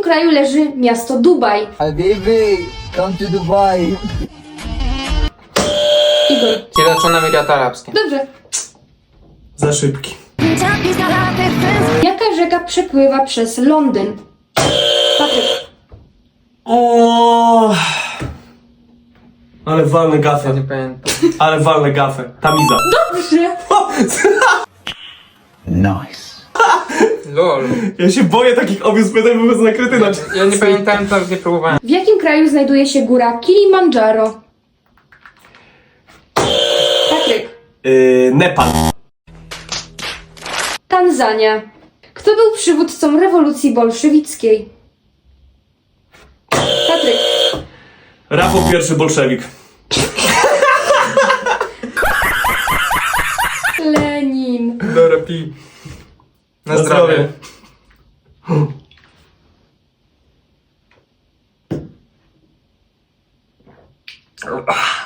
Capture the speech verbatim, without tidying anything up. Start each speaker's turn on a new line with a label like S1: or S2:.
S1: kraju leży miasto Dubaj?
S2: Habibi, come to Dubai.
S1: Igor.
S3: Zjednoczone Emiraty Arabskie.
S1: Dobrze.
S4: Za szybki.
S1: Jaka rzeka przepływa przez Londyn? Patryk.
S4: O, ale walne
S3: Ja
S4: gafę.
S3: nie pamiętam.
S4: Ale walne gafę. Tamiza.
S1: Dobrze.
S2: Nice.
S3: Lol.
S4: Ja się boję takich obvious pytań, bo będę nakryty na
S3: Ja nie pamiętałem, to nie próbowałem.
S1: W jakim kraju znajduje się góra Kilimandżaro? Patryk.
S4: Yy, Nepal.
S1: Tanzania. Kto był przywódcą rewolucji bolszewickiej? Patryk.
S4: Rafał pierwszy bolszewik.
S1: Lenin.
S3: Dobra, pi. Na
S4: Na
S3: zdrowie.
S4: zdrowie.